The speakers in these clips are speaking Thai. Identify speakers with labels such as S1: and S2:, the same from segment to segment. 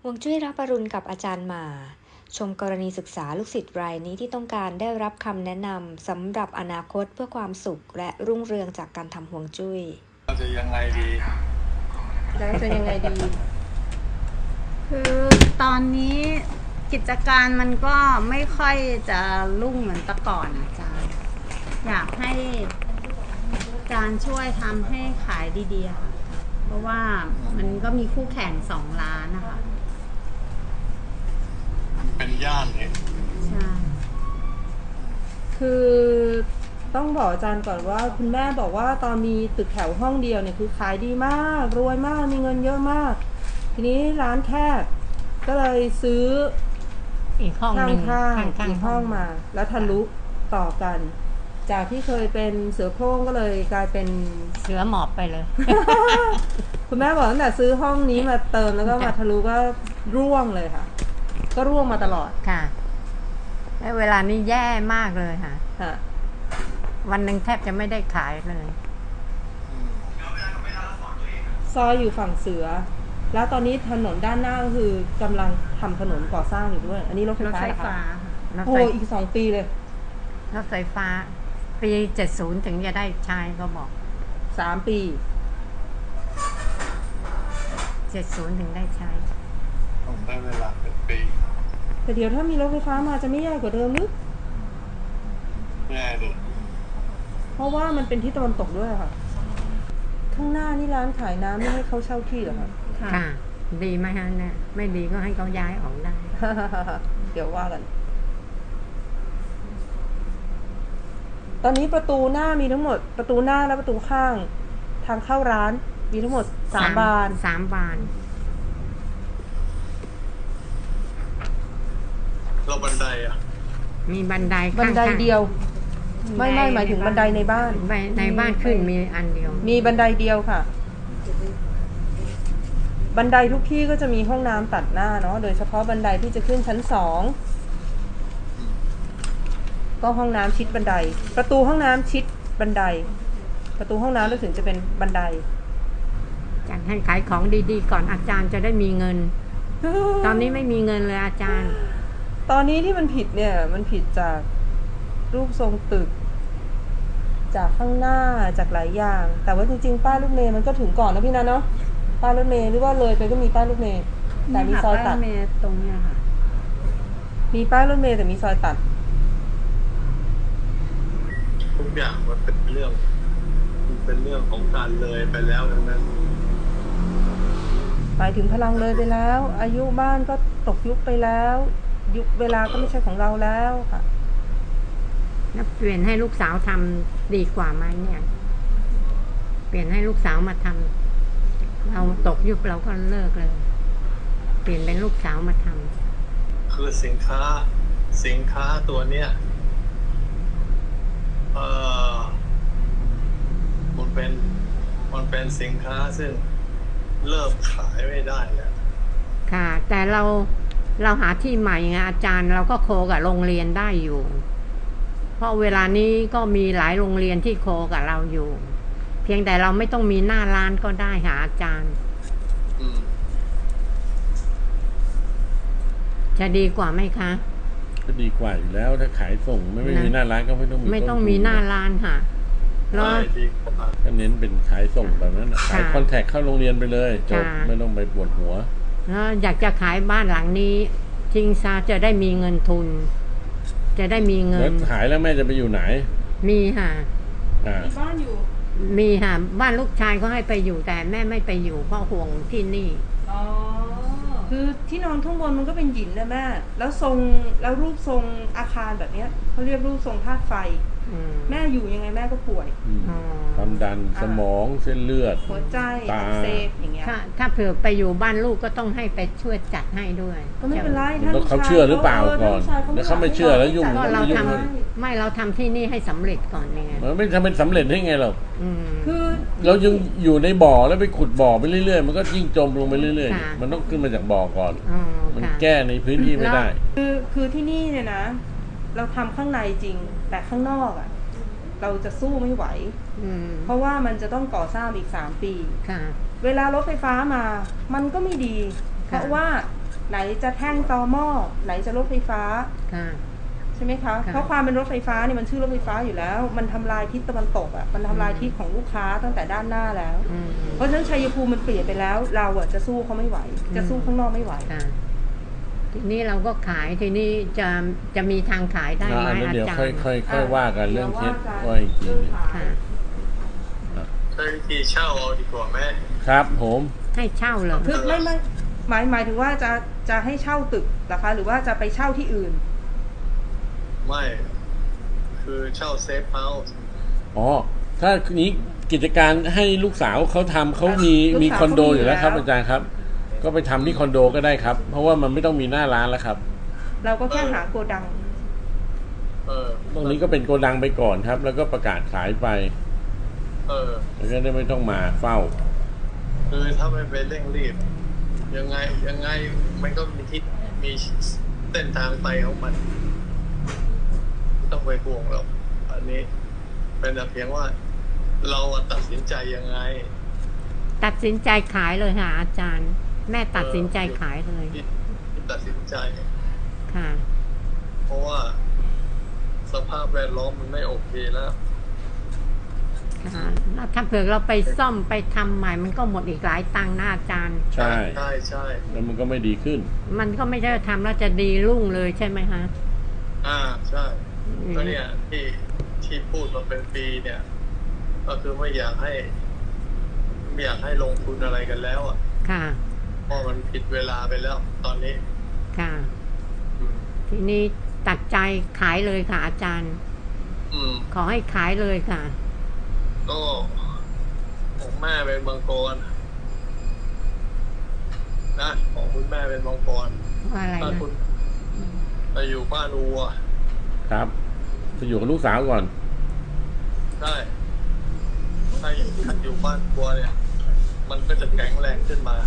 S1: ฮวงจุ้ยรับอรุณกับอาจารย์หมาชมกรณีศึกษาลูกศิษย์รายนี้ที่ต้องการได้รับคำแนะนำสำหรับอนาคตเพื่อความสุขและรุ่งเรืองจากการทำฮวงจุ้ย
S2: เราจะยังไงดี
S3: คือตอนนี้กิจการมันก็ไม่ค่อยจะรุ่งเหมือนแต่ก่อนอาจารย์อยากให้อาจารย์ช่วยทำให้ขายดีๆค่ะเพราะว่ามันก็มีคู่แข่ง2 ร้านนะคะ
S2: เป็นย่านเนี่ย
S3: ใช่
S4: คือต้องบอกอาจารย์ก่อนว่าคุณแม่บอกว่าตอนมีตึกแถวห้องเดียวเนี่ยคือขายดีมากรวยมากมีเงินเยอะมากทีนี้ร้านแคบก็เลยซื้อ
S3: อีกห้องหนึ่ง
S4: ข้างอีกห้องมาแล้วทะลุต่อกันจากที่เคยเป็นเสือโคร่งก็เลยกลายเป็น
S3: เสือหมอบไปเลย
S4: คุณแม่บอกตั้งแต่ซื้อห้องนี้มาเติมแล้วก็มาทะลุก็ร่วงเลยค่ะก็ร่วงมาตลอด
S3: ค่ะและเวลานี้แย่มากเลยค่ะวันหนึ่งแทบจะไม่ได้ขายเลย
S4: ซอยอยู่ฝั่งเสือแล้วตอนนี้ถนนด้านหน้าก็คือกำลังทำถนนก่อสร้างอยู่ด้วยอันนี้รถไฟฟ้าโอ้อีก2 ปีเลย
S3: รถไฟฟ้าปี70ถึงจะได้ใช้ก็บอก
S4: 3 ปี
S3: 70ถึงได้ใช้
S2: ต้องได้เวลาเป็นปี
S4: แต่เดี๋ยวถ้ามีรถไฟฟ้ามาจะไม่แย่กว่าเดิมหรือ
S2: แย่ดิ
S4: เพราะว่ามันเป็นที่ตะวันตกด้วยค่ะข้างหน้านี่ร้านขายน้ำไม่ให้เขาเช่าที่เหรอคะ
S3: ค่ะดีไหมฮะเนี่ยไม่ดีก็ให้เขาย้ายออกได้
S4: เดี๋ยวว่ากันตอนนี้ประตูหน้ามีทั้งหมดประตูหน้าและประตูข้างทางเข้าร้านมีทั้งหมด3 บาน
S3: 3 บาน
S2: เราบันไดอ่ะ
S3: มีบันได
S4: เดียวไม่หมายถึงบันไดในบ้าน
S3: ในบ้านขึ้นมีอันเดียว
S4: มีบันไดเดียวค่ะบันไดทุกที่ก็จะมีห้องน้ำตัดหน้าเนาะโดยเฉพาะบันไดที่จะขึ้นชั้น2ก็ห้องน้ำชิดบันไดประตูห้องน้ำชิดบันไดประตูห้องน้ำแล้วถึงจะเป็นบันได
S3: อาจารย์ให้ขายของดีๆก่อนอาจารย์จะได้มีเงิน ตอนนี้ไม่มีเงินเลยอาจารย์
S4: ตอนนี้ที่มันผิดเนี่ยมันผิดจากรูปทรงตึกจากข้างหน้าจากหลายอย่างแต่ว่าจริงๆป้ายรถเมล์มันก็ถึงก่อนนะพี่นะเนาะป้ายรถเมล์หรือว่าเลยไปก็มีป้ายรถเมล์แต่มีซอยตัด
S3: ตรงนี้ค่ะ
S4: มีป้ายรถเมล์แต่มีซอยตัด
S2: ทุกอย่างมันเป็นเรื่องของการเลยไปแล้วดังนั้น
S4: หมายถึงพลังเลยไปแล้วอายุบ้านก็ตกยุคไปแล้วยุคเวลาก็ไม่ใช่ของเราแล้วค่ะ
S3: เปลี่ยนให้ลูกสาวทำดีกว่าไหมเนี่ยเปลี่ยนให้ลูกสาวมาทำเราตกยุคเราก็เลิกเลยเปลี่ยนเป็นลูกสาวมาท
S2: ำคือสินค้าตัวเนี้ยมันเป็นสินค้าซึ่งเริ่มขายไม่ได้แล้ว
S3: ค่ะแต่เราหาที่ใหม่ไงอาจารย์เราก็โคกับโรงเรียนได้อยู่เพราะเวลานี้ก็มีหลายโรงเรียนที่โคกับเราอยู่เพียงแต่เราไม่ต้องมีหน้าร้านก็ได้หาอาจารย์จะดีกว่าไหมคะ
S5: ก็ดีกว่าอยู่แล้วถ้าขายส่งไม่มีหน้าร้านก็ไม่ต้อง
S3: มีหน้าร้านค่ะ
S5: แล้วก็เน้นเป็นขายส่งแบบนั้นขายคอนแทคเข้าโรงเรียนไปเลยจบไม่ต้องไปปวดหัว
S3: แล้วอยากจะขายบ้านหลังนี้ทิ้งซะจะได้มีเงินทุนจะได้มีเงินแล้ว
S5: ขายแล้วแม่จะไปอยู่ไหน
S3: มีค่ะ
S4: มีบ้านอยู่
S3: มีค่ะบ้านลูกชายก็ให้ไปอยู่แต่แม่ไม่ไปอยู่เพราะห่วงที่นี่
S4: อ๋อคือที่นอนข้างบนมันก็เป็นหินนะแม่แล้วรูปทรงอาคารแบบนี้เขาเรียกรูปทรงธาตุไฟแม่อยู่ยังไงแม่ก็ป่วย
S5: ความดันสมองเส้นเลือด
S4: หัวใจ
S5: ตา
S4: เซฟอย่างเงี้ย
S3: ถ้าเผื่อไปอยู่บ้านลูกก็ต้องให้ไปช่วยจัดให้ด้วย
S4: ก็ไม่เป็นไร
S5: ถ้าเขาเชื่อหรือเปล่าก่อนแล้วเขาไม่เชื่อแล้วยุ่ง
S3: เราทำที่นี่ให้สำเร็จก่อนไง
S5: มันไม่ทำเป็นสำเร็จได้ไงหรอก
S4: คือ
S5: เรายังอยู่ในบ่อแล้วไปขุดบ่อไปเรื่อยๆมันก็ยิ่งจมลงไปเรื่อยๆมันต้องขึ้นมาจากบ่อก่อนมันแก้ในพื้นที่ไม่ได้
S4: คือที่นี่เนี่ยนะเราทำข้างในจริงแต่ข้างนอกอ่ะเราจะสู้ไม่ไหวเพราะว่ามันจะต้องก่อสร้างอีก3 ปีเวลารถไฟฟ้ามามันก็ไม่ดีเพราะว่าไหนจะแท่งตอหม้อไหนจะรถไฟฟ้า
S3: ค่ะ
S4: ใช่ไหมคะ
S3: ค่ะ
S4: เพราะความเป็นรถไฟฟ้าเนี่ยมันชื่อรถไฟฟ้าอยู่แล้ว มันทำลายทิศตะวันตกอ่ะมันทำลายทิศของลูกค้าตั้งแต่ด้านหน้าแล้ว
S3: อืม
S4: เพราะฉะนั้นชัยภูมิมันเปลี่ยนไปแล้ว เราอ่ะจะสู้เขาไม่ไหว จะสู้ข้างนอกไม่ไหว
S3: ค่ะ ทีนี้เราก็ขายทีนี้จะมีทางขายได้ไหม
S5: อันนั้น
S3: อา
S5: เดี๋ยว
S3: จาร
S5: ค่อย
S3: ย์
S5: ค่อยว่ากันเรื่องเคสว่าอีกทีหนึ่ง
S3: ค่ะ
S2: ใช้วิธีเช่าเอาดีกว่าแม่
S5: ครับผม
S3: ให้เช่าเหรอ
S4: คือไม่หมายถึงว่าจะให้เช่าตึกเหรอคะ หรือว่าจะไปเช่าที่อื่น
S2: ไม่คือเช่าเซฟเฮาส์
S5: อ๋อถ้านี้กิจการให้ลูกสาวเขาทำเขามี
S4: ลูกสาว
S5: มีคอนโดอยู่แล้วครับ
S4: เขามีอยู่แล้ว
S5: อาจารย์ครับ ก็ไปทำที่คอนโดก็ได้ครับ เพราะว่ามันไม่ต้องมีหน้าร้านแล้วครับ
S4: เราก็แค่หาโกดัง
S5: ตรงนี้ก็เป็นโกดังไปก่อนครับ แล้วก็ประกาศขายไปแล้วก็ได้ไม่ต้องมาเฝ้า
S2: คือถ้าไม่ไปเร่งรีบยังไงมันก็มีเส้นทางไปของมันไม่ต้องไปห่วงหรอกอันนี้เป็นแต่เพียงว่าเราตัดสินใจยังไง
S3: ตัดสินใจขายเลยค่ะ อาจารย์ แม่ตัดสินใจขายเลย
S2: ที่ตัดสินใจ
S3: ค่ะ
S2: เพราะว่าสภาพแวดล้อมมันไม่โอเคแล้ว
S3: ค่ะแล้วถ้าเผื่อเราไปซ่อมไปทำใหม่มันก็หมดอีกหลายตังค์นะอาจารย์
S5: ใช่
S2: ใช่
S5: แล้วมันก็ไม่ดีขึ้น
S3: มันก็ไม่ได้ทำแล้วจะดีรุ่งเลยใช่ไหมคะ
S2: ใช่ก็เนี่ยที่พูดมาเป็นปีเนี่ย ก็คือไม่อยากให้ลงทุนอะไรกันแล้วอ่ะ
S3: ค่ะ
S2: เพราะมันผิดเวลาไปแล้วตอนนี้
S3: ค่ะ ทีนี้ตัดใจขายเลยค่ะ อาจารย์ ขอให้ขายเลยค่ะ
S2: ก็ของแม่เป็นมังกรนะของคุณแม่เป็นมังกร
S3: ว่าอะไร
S2: ถ้า
S3: นะ
S2: คุณไปอยู่บ้านวัว
S5: ครับไปอยู่กับลูกสาวก่อน
S2: ได้ถ้าอยู่บ้านวัวเนี่ย มันก็จะแข็งแรงขึ้นมา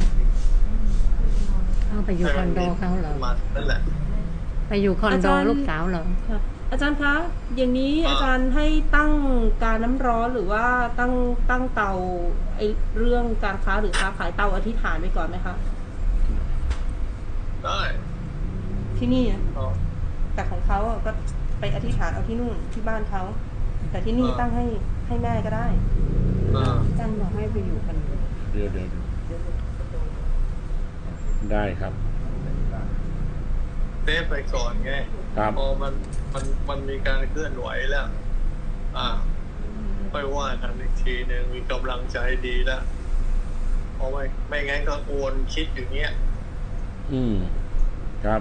S3: เข้าไปอยู่คอนโดเขาเหรอ
S2: มานั่นแหละ
S3: ไปอยู่คอนโด
S4: อาจารย์
S3: ลูกสาวเหรอ
S4: อาจารย์คะ อย่างนี้อาจารย์ให้ตั้งการน้ำร้อนหรือว่าตั้งเตาไอเรื่องการค้าหรือค้าขายเตาอธิษฐานไว้ก่อนไหมคะ
S2: ได้
S4: ที่นี่อะ
S2: ก็
S4: แต่ของเขาอะก็ไปอธิษฐานเอาที่นู่นที่บ้านเขา แต่ที่นี่ตั้งให้แม่ก็ได้
S3: อาจารย์บอกให้ไปอยู่คอนโด
S5: เดี๋ยวได้ครับ
S2: เซฟไปก่อนไง
S5: ครับ
S2: พอมันมีการเคลื่อนไหวแล้วค่อยว่ากันอีกทีหนึ่งมีกำลังใจดีแล้วเพราะไม่งั้นก็วนคิดอย่างเงี้ย
S5: ครับ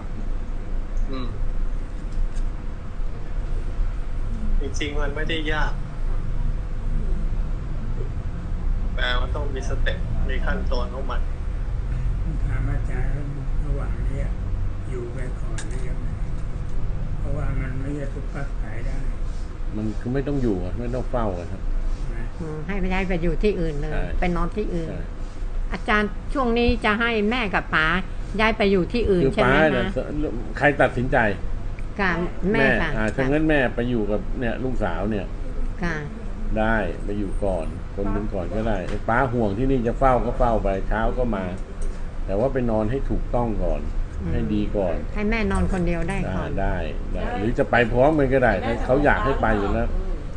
S2: จริงๆมันไม่ได้ยาก แต่มันต้องมีสเต็ปมีขั้นตอนของมัน
S6: ถามอาจารย์ระหว่างนี้อยู่ไปก่อนหรือยังไงเพราะว่ามันไม่ใช่ทุกปักขายได้
S5: มันคือไม่ต้องอยู่อะไม่ต้องเฝ้ากันครับ
S6: นะ
S3: ให้ไปย้ายไปอยู่ที่อื่นเลย
S5: ใช่
S3: ไปนอนที่อื่น
S5: ใช่
S3: อาจารย์ช่วงนี้จะให้แม่กับป๋าย้ายไปอยู่ที่อื่น
S5: คือ
S3: ใช่ไหม
S5: ป้าเนี่ย
S3: คะ
S5: ใครตัดสินใจ
S3: ค่ะแม่ค่ะ
S5: ถ้างั้นแม่ไปอยู่กับเนี่ยลูกสาวเนี่ย
S3: ค่ะ
S5: ได้ไปอยู่ก่อนคนหนึงก่อนก็ได้ไอ้ป้าห่วงที่นี่จะเฝ้าก็เฝ้าไปเช้าก็มา แต่ว่าไปนอนให้ถูกต้องก่อน ให้ดีก่อน
S3: ให้แม่นอนคนเดียวได้ก่อน
S5: ได้หรือจะไปพร้อมกันก็ได้ถ้าเขาอยากให้ไปอยู่แล้ว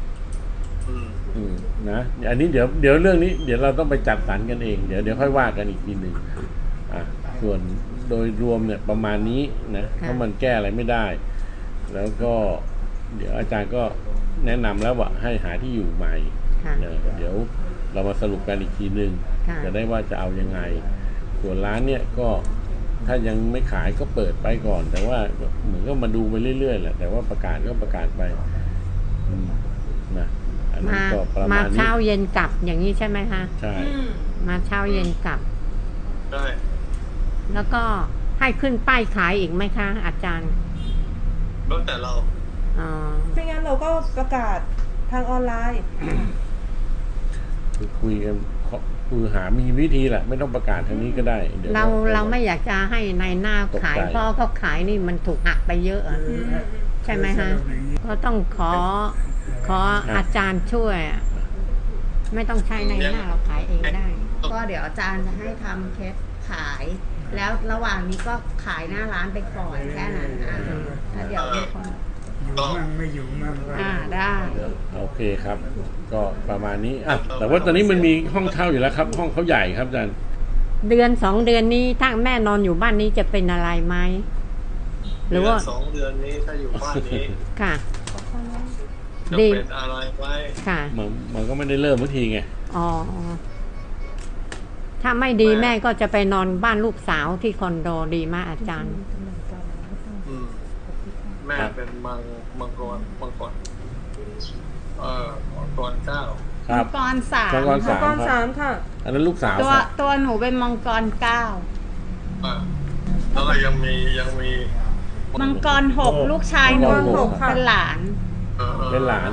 S5: นะอันนี้เดี๋ยวเรื่องนี้เดี๋ยวเราต้องไปจัดสรรกันเองเดี๋ยวค่อยว่ากันอีกทีหนึ่งส่วนโดยรวมเนี่ยประมาณนี้นะเพราะมันแก้อะไรไม่ได้ แล้วก็เดี๋ยวอาจารย์ก็แนะนำแล้วว่าให้หาที่อยู่ใหม่
S3: ค่ะ
S5: เดี๋ยวเรามาสรุปกันอีกทีหนึ่ง
S3: ค่ะ
S5: จะได้ว่าจะเอายังไง ส่วนร้านเนี่ยก็ถ้ายังไม่ขายก็เปิดไปก่อน แต่ว่าเหมือนก็มาดูไปเรื่อยๆแหละแต่ว่าประกาศก็ประกาศไปนะอันนี้
S3: มา
S5: ก็ประ
S3: มา
S5: มาณนี้
S3: เช้าเย็นกลับอย่างนี้ใช่ไหมคะ
S5: ใช่
S3: มาเช้าเย็นกลับ
S2: ได้
S3: แล้วก็ให้ขึ้นป้ายขายอีกไหมคะ อาจารย์
S2: แล้วแต่เรา
S3: อ๋อ
S4: ไม่งั้นเราก็ประกาศทางออนไลน์
S5: คือคุยกันคือหามีวิธีแหละไม่ต้องประกาศทางนี้ก็ได้ดี๋ยว
S3: เราไม่อยากจะให้ในหน้าขาย
S5: ตกใจ
S3: เพราะเขาขายนี่มันถูกหักไปเยอะอะใช่ไหมคะก็ต้องขออาจารย์ช่วยอะไม่ต้องใช้ในหน้าเราขายเองได้
S7: ก็เดี๋ยวอาจารย์จะให้ทำเคสขาย
S3: แล้วระหว่างนี้ก็ขายหน้าร้านไปก่อนแค่นั้นแล้วเดี๋ยวมีคน
S6: อยู่มั่งไม่อยู่มั่งก็
S3: ได้
S5: โอเคครับ ก็ประมาณนี้อ่ะแต่ว่าตอนนี้มันมีห้องเช่าอยู่แล้วครับ ห้องเขาใหญ่ครับอาจารย์
S7: เดือน2 เดือนนี้ถ้าแม่นอนอยู่บ้านนี้จะเป็นอะไรไหมหรือว่า
S2: 2 เดือนนี้ถ้าอยู่บ้านนี้
S7: ค่ะ
S2: จะ
S7: ดี
S2: เป็นอะไรไหม
S7: ค่ะ
S5: มันก็ไม่ได้เริ่มทันทีไง
S7: อ๋อถ้าไม่ดีแม่ก็จะไปนอนบ้านลูกสาวที่คอนโดดีมากอาจารย์
S2: อืมแม่เป็นมังกรมังกร9
S5: ครับ
S3: มังกรสาม
S5: มังกร
S4: มังกร
S5: ครั
S4: สา
S5: บ
S4: มค่ะ
S5: อันนั้นลูกสาว
S3: ตัว
S5: ครับ
S3: ตัวหนูเป็นมังกร9
S2: แล้วก็ยังมี
S3: มังกร6ลูกชายหนู
S4: มังกร6ค่ะ
S3: เป็นหลาน
S5: เป็นหลาน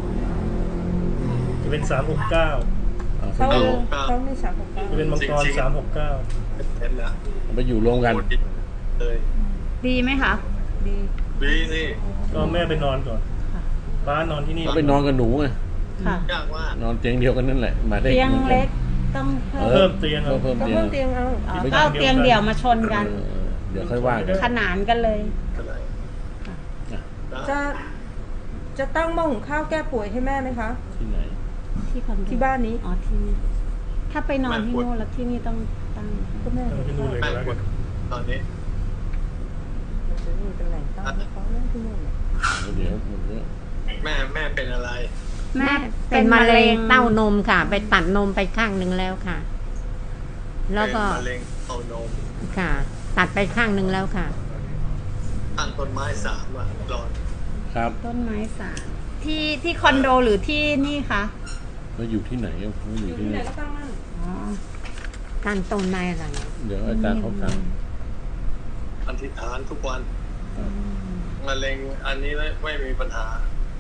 S8: จะเป็น369
S4: เขา
S5: ไปอยู่
S4: เขาไม่สามหกเก้า
S8: จะเป็นมังกร369
S2: เห็นแล้ว
S5: ไปอยู่รวมกัน
S2: เลย
S3: ดีไหมคะ
S4: ดี
S2: ดีนี่
S8: ก็แม่ไปนอนก่อนป้านอนที่นี่
S5: ก็ไปนอนกับหนูไง
S3: ค่ะ
S2: ยากมาก
S5: นอนเตียงเดียวกันนั่นแหละมาได้
S3: เตียงเล็กต้องเพิ่
S8: เพิ่
S3: ม
S8: มเตียง
S5: เพิ่ม
S4: ก็
S5: เตียง
S4: เพิ่มเตียงเอา
S3: อ๋อก็เอาเตียงเดี่ยวมาชนกัน
S5: เดี๋ยวค่อยว่ากัน
S3: ขนานกันเลย
S2: อะไร
S4: จะตั้งหม้อหุงข้าวแก้ป่วยให้แม่ไหมคะ
S5: ที่ไหน
S3: ที่คอนโด
S4: ที่บ้านนี้
S3: อ๋อที่นี่ถ้าไปนอนที่นู่นแล้วที่นี่ต้องตั้ง
S4: ก็แม่
S8: ตั้งที่นู่นเลย
S2: แม่
S8: ก็แล้ว
S2: ปว
S8: กั
S2: ด
S8: น
S2: ตอนนี้
S4: จะมีเป็นแหล่งตั้งให้เขานั่งที่นู่น
S5: เดี๋ยวมันก็
S2: แม่เป็นอะไร
S3: แม่
S7: เป็นมะเร็งเต้านมค่ะ ไปตัดนมไปข้างหนึ่งแล้วค่ะ แล้วก็
S2: เป็นมะเร็งเต้านม
S7: ค่ะ ตัดไปข้างหนึ่งแล้วค่ะ
S2: ตั้งต้นไม้3รอน
S5: ครับ
S3: ต้นไม้3ที่คอนโดหรือที่นี่คะ
S5: แล้วอยู่ที่ไหนเขาอยู่ที่
S4: ที่ไหน
S5: นี่
S4: ก็ตั้งนั่น
S3: อ๋อ
S7: ตั้งต้นไม้อะไร
S5: เดี๋ยวอาจารย์เขาสั่ง
S2: อธิษฐานทุกวัน
S5: ครับ
S2: มะเร็งอันนี้ไม่มีปัญหา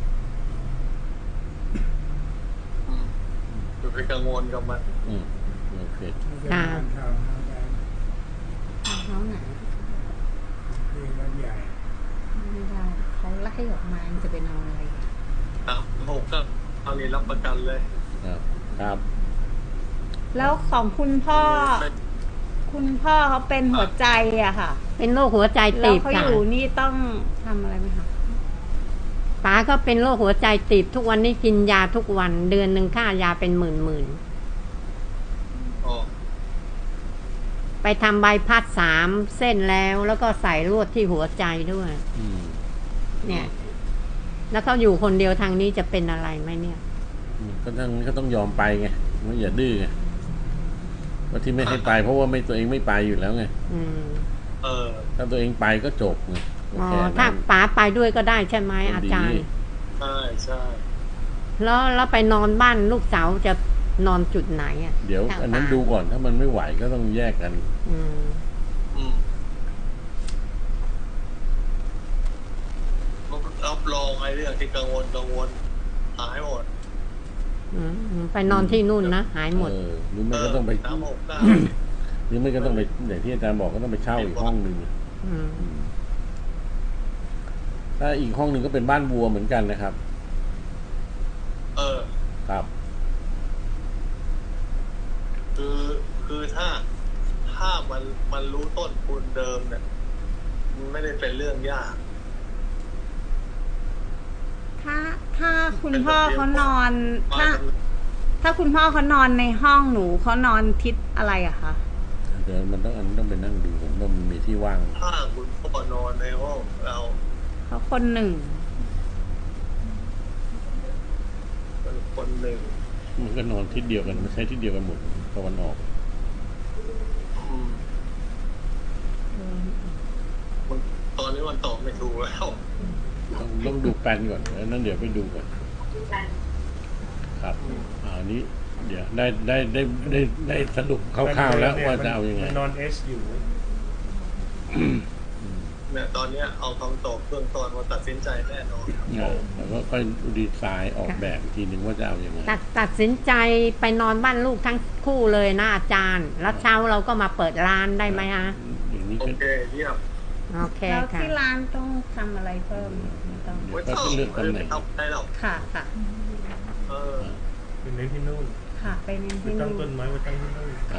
S2: อย่าไปกังวลกับมัน
S5: โอเค
S7: ค่ะ
S6: ทาวน์เฮาส์ได้
S3: ห้องไหน
S6: ที่วัดใหญ่
S3: ไม่ได้เขาไล่ออกมาจะไปนอนอะไร
S2: 6ก็เอานี้รับประกันเลย
S5: ครับ
S3: แล้วของคุณพ่อเขาเป็นหัวใจอะค่ะ
S7: เป็นโรคหัวใจ
S3: แล้
S7: ตี
S3: ว
S7: บ
S3: เขาอ
S7: ค่ะ
S3: ยู่นี่ต้องทำอะไรไหมคะ
S7: ป้าก็เป็นโรคหัวใจตีบทุกวันนี้กินยาทุกวันเดือนหนึ่งค่ายาเป็นหมื่น
S2: อ๋อ
S7: ไปทำใบพัด3 เส้นแล้วก็ใส่ลวดที่หัวใจด้วย เนี่ย แล้วเขาอยู่คนเดียวทางนี้จะเป็นอะไรไหมเนี่ย
S5: ก็ต้องยอมไปไงไม่อย่าดื้อไงว่าที่ไม่ให้ไป เพราะว่าตัวเองไม่ไปอยู่แล้วไง
S7: อืม
S5: ถ้าตัวเองไปก็จบไง
S7: อ๋อ
S5: แค่นั้น
S7: ถ้าป๋าไปด้วยก็ได้ใช่ไหมอาจารย์
S2: ใช่
S7: แล้วไปนอนบ้านลูกสาวจะนอนจุดไหนอ่ะ
S5: เดี๋ยวอันนั้นดูก่อนถ้ามันไม่ไหวก็ต้องแยกกัน
S7: อืม
S2: รับรองไอ้เรื่องที่กังวลหายหมด
S7: ไปนอนที่นู่นนะหายหมด
S5: หรือไม่ก็ต้องไป
S2: 369
S5: หรือไม่ก็ต้องไปอย่างที่อาจารย์บอกก็ต้องไปเช่าอีกห้องหนึ่ง
S7: อืม
S5: ถ้าอีกห้องหนึ่งก็เป็นบ้านวัวเหมือนกันนะครับ ครับ
S2: คือถ้ามันรู้ต้นทุนเดิมเนี่ยมันไม่ได้เป็นเรื่องยาก
S3: ถ้าคุณพ่อเขานอนถ้าคุณพ่อเขานอนในห้องหนูเขานอนทิศอะไรอะคะ
S5: เดี๋ยวมันต้องไปนั่งดูผมต้องมีที่ว่าง
S2: ถ้าคุณพ่อนอนในห้องเรา
S3: เขาคนหนึ่ง
S2: เป็นคนหนึ่ง
S5: มันก็นอนทิศเดียวกันไม่ใช่ทิศเดียวกันหมดตะวันออก
S2: ตอนนี้มันตอบไม่ถูกแล้ว
S5: ต้องดูแปลนก่อนแล้วนั้นเดี๋ยวไปดูก่อนครับอันนี้ เดี๋ยวได้สรุปคร่าวๆแล้วว่าจะเอายังไง
S8: มันนอนเอสอยู่
S2: เนี่ยตอนนี้เอาคำตอบเบื้องต้นมาตัดสินใจแน่นอน
S5: แล้วก็ค่อยดีไซน์ออกแบบอีกทีหนึ่งว่าจะเอายังไง
S7: ตัดสินใจไปนอนบ้านลูกทั้งคู่เลยนะอาจารย์ แล้วเช้าเราก็มาเปิดร้านได้ไหมฮะ
S5: อย่างนี้
S2: โอ
S5: ก็
S2: เคเยี่ยม
S7: โอเค
S3: แล้ว
S7: ค่ะ
S3: ที่ร้านต้องทำอะไรเพิ่มไม่ต้อง
S2: ไม่ต้องไม่ทำได้หรอก
S3: ค่ะค่ะ
S2: เออ
S8: เป็นเน้นที่นู่น
S3: ค่ะไปเน้น
S8: ไป
S3: ที่
S8: ตั้ง
S3: นู่
S8: ต้
S3: น
S8: นไม้ไว้ตั้งที่นู่น
S3: ค่ะ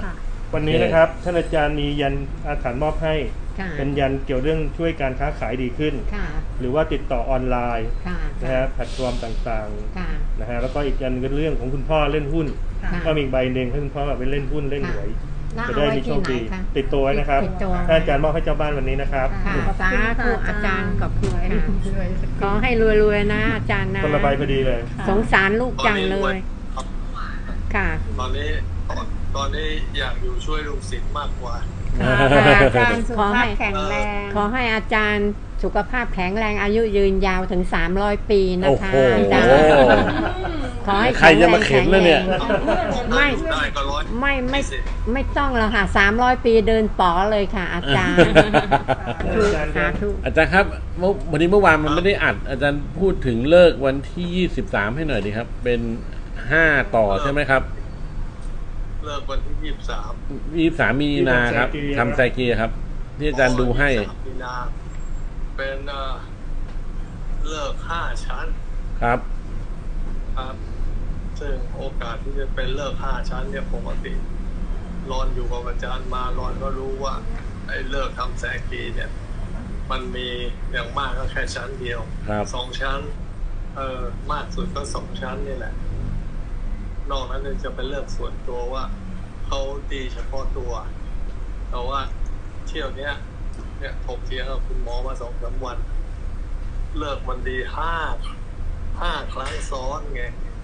S8: วันนี้นะครับท่านอาจารย์มียันอาถรรพ์มอบให้
S7: ค่ะ
S8: เป็นยันเกี่ยวเรื่องช่วยการค้าขายดีขึ้น
S7: ค่ะ
S8: หรือว่าติดต่อออนไลน์
S7: ค่ะ
S8: นะฮะแพลตฟอร์มต่าง
S7: ค่ะ
S8: ๆนะฮะแล้วก็อีกยันก็เรื่องของคุณพ่อเล่นหุ้น
S7: ค่ะ
S8: ก็มีอีกใบหนึ่งให้คุณพ่อแบบไปเล่นหุ้นเล่นหวย
S7: แล้ว
S8: จะ
S7: เอา
S8: ได้
S7: ไว้
S8: มีโช
S7: ที่
S8: ค
S7: ไหน
S8: ดี
S7: คะ
S8: ติดตัวไว้นะครับ
S7: ติดตัว
S8: ท่านอาจารย์มอบให้เจ้าบ้านวันนี้นะครับ
S7: ค่ะ
S3: ขอบคุณ
S7: สาธุ
S3: ค่ะ
S7: อาจารย์ขอบคุณค่ะขอให้รวยๆนะอาจารย์นะ
S8: คนละใบพอดีเลย
S7: สงสารลูกจังเลย ค่ะ
S2: ตอนนี้อยากอยู่ช่วยลูกศิษย์มากกว่า
S3: อาจารย์สุขภาพแข็งแรง
S7: ขอให้อาจารย์สุขภาพแข็งแรงอายุยืนยาวถึง300 ปีนะ
S5: โอ้
S7: คะ
S5: โห
S7: อาจารย์ขอให้
S5: ใครจะมาเข็นแล้วเนี่ย
S7: ไม่
S2: ได้ก็ร้อย
S7: ไม่ต้องแล้วค่ะ300 ปีเดินป๋อเลยค่ะ อาจารย์สาธุ
S5: อาจารย์ครับวันนี้เมื่อวานมันไม่ได้อัด อาจารย์พูดถึงเลิกวันที่23ให้หน่อยดีครับ เป็น5ต่อใช่ไหมครับ
S2: เลิกวันที่
S5: 23มีนาครับทำไซเกียครับ ที่อาจารย์ดูให้
S2: 23มีนาเป็นเลิก5 ชั้น
S5: ครับ
S2: ครับ ซึ่งโอกาสที่จะเป็นเลิก5 ชั้นเนี่ยปกติรอนอยู่กับอาจารย์มารอนก็รู้ว่าไอ้เลิกทำแซกีเนี่ยมันมีอย่างมากก็แค่ชั้นเดียว
S5: ครับ
S2: 2 ชั้นมากสุดก็2 ชั้นนี่แหละนอกนั้นจะเป็นเลิกส่วนตัวว่าเขาดีเฉพาะตัวแต่ว่าเที่ยวเนี้ยถกเถียงกับคุณหมอมา2-3 วันเลิกมันดี5 ครั้งซ้อนไง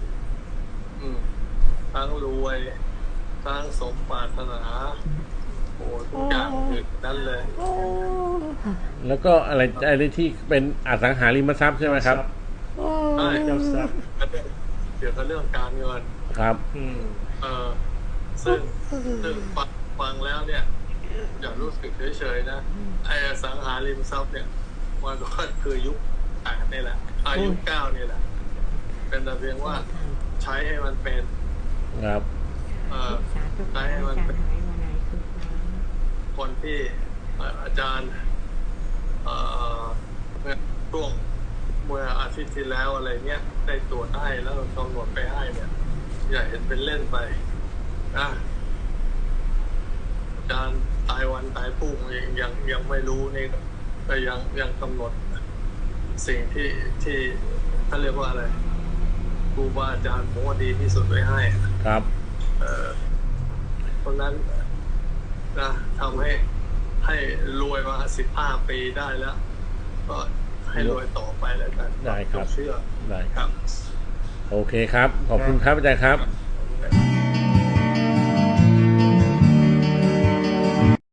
S2: ทั้งรวยทั้งสมปรารถนาโอ้ทุกอย่างถึงนั้นเลย
S5: แล้วก็อะไรที่เป็นอสังหาริมทรัพย์ใช่ไหมครับ
S2: ใช่
S8: เจ้าทรัพย์
S2: เกี่ยวกับเรื่องการเงิน
S5: ครับ
S2: ซึ่งฟังแล้วเนี่ยอย่ารู้สึกเฉยๆนะไอ้อสังหาริมทรัพย์เนี่ยมันก็คือยุค8นี่แหละยุค9นี่แหละเป็นแต่เพียงว่าใช้ให้มันเป็น
S5: ครับ
S7: สาธุ
S2: ใช้ให้มันเป็นคนที่อาจารย์ช่วงเมื่ออาทิตย์ที่แล้วอะไรเนี้ยได้ตรวจให้แล้วกำหนดไปให้เนี่ยอย่าเห็นเป็นเล่นไปนะอาจารย์ตายวันตายพรุ่งยังไม่รู้นี่ก็ยังกำหนดสิ่งที่เขาเรียกว่าอะไรครูบาอาจารย์ผมว่าดีที่สุดไว้ให้
S5: ครับ
S2: เพราะนั้นนะทำให้รวยมา15 ปีได้แล้ว ก็ให้รวยต่อไปแล้วกัน
S5: ได้ครับ
S2: เชื่อ
S5: ได้
S2: ครับ
S5: โอเคครับ ขอบคุณครับอาจารย์ครับ